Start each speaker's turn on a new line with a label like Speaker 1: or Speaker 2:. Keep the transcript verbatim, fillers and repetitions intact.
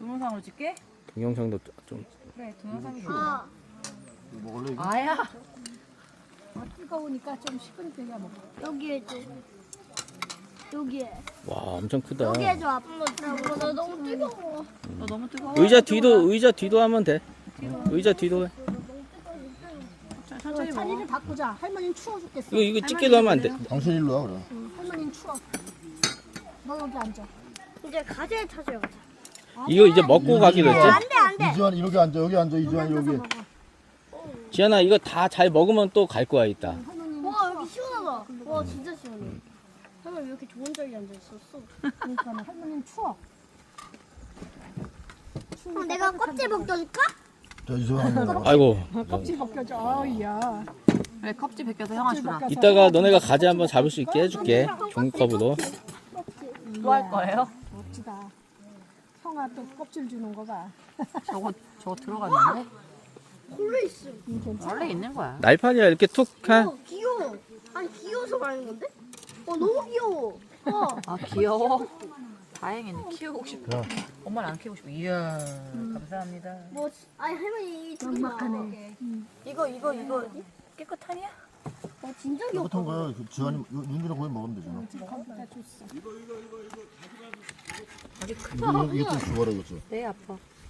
Speaker 1: 동영상으로 찍게?
Speaker 2: 동영상도 좀.
Speaker 1: 그래, 동영상이 좋아.
Speaker 3: 먹을래 이거?
Speaker 1: 아야.
Speaker 4: 아, 뜨거우니까 좀 식으니까 그냥 먹어.
Speaker 5: 여기에 줘. 여기에.
Speaker 2: 와, 엄청 크다.
Speaker 5: 여기에 줘. 아빠 나 너무 뜨거워.
Speaker 1: 너 너무 뜨거워.
Speaker 2: 의자 뒤도 의자 뒤도 하면 돼. 어, 의자 뒤도 해.
Speaker 1: 천천히 먹어.
Speaker 4: 자리를 바꾸자. 할머니는 추워 죽겠어.
Speaker 2: 이거 이거 찍게도 하면 안 돼.
Speaker 3: 당신 일로 와 그래.
Speaker 4: 응, 할머니는 추워. 너 여기 앉아.
Speaker 5: 이제 가재 찾으러 가자.
Speaker 2: 이거 이제 먹고 가기로 했지?
Speaker 5: 안돼 안돼.
Speaker 3: 이주환 이렇게 앉아 여기 앉아 이주환 여기.
Speaker 2: 지안아, 이거 다 잘 먹으면 또 갈 거야 이따.
Speaker 4: 할머니는
Speaker 5: 와 여기 시원하다. 와 진짜 시원해. 할머니 왜 이렇게 좋은 자리에 앉아 있었어?
Speaker 4: 그러니까 할머니는 추워.
Speaker 5: 그럼 내가 껍질 벗겨줄까?
Speaker 3: 자 이주환.
Speaker 2: 아이고.
Speaker 4: 껍질 벗겨줘. 아우야.
Speaker 1: 그래, 컵지 벗겨서 형아 주라.
Speaker 2: 이따가 너네가 가지 한번 잡을 수 있게 해줄게. 종이컵으로.
Speaker 1: 또 할 거예요?
Speaker 4: 멋지다. 형아 또 껍질 주는 거 봐.
Speaker 1: 저거, 저거 들어갔는데?
Speaker 5: 홀로 있어.
Speaker 4: 응, 괜찮아.
Speaker 1: 원래 있는 거야.
Speaker 2: 날판이야 이렇게 툭 한.
Speaker 5: 어 귀여워. 아니 귀여워서 말하는 건데? 어 너무 귀여워. 어.
Speaker 1: 아, 귀여워. 다행이네. 키우고 싶어. 엄마는 안 키우고 싶어. 이야, 감사합니다.
Speaker 5: 뭐 아니 할머니 이
Speaker 4: 막막하네.
Speaker 1: 이거, 이거, 이거 깨끗하냐?
Speaker 5: 어 진짜 귀엽다.
Speaker 3: 깨끗한 거야. 그 지환이 윤준이랑 거기 먹으면 되잖아.
Speaker 4: 거기다 줬어.
Speaker 1: 아직 크.
Speaker 3: 이거 이거 좀 줘봐라 이거 좀.
Speaker 1: 네, 아파.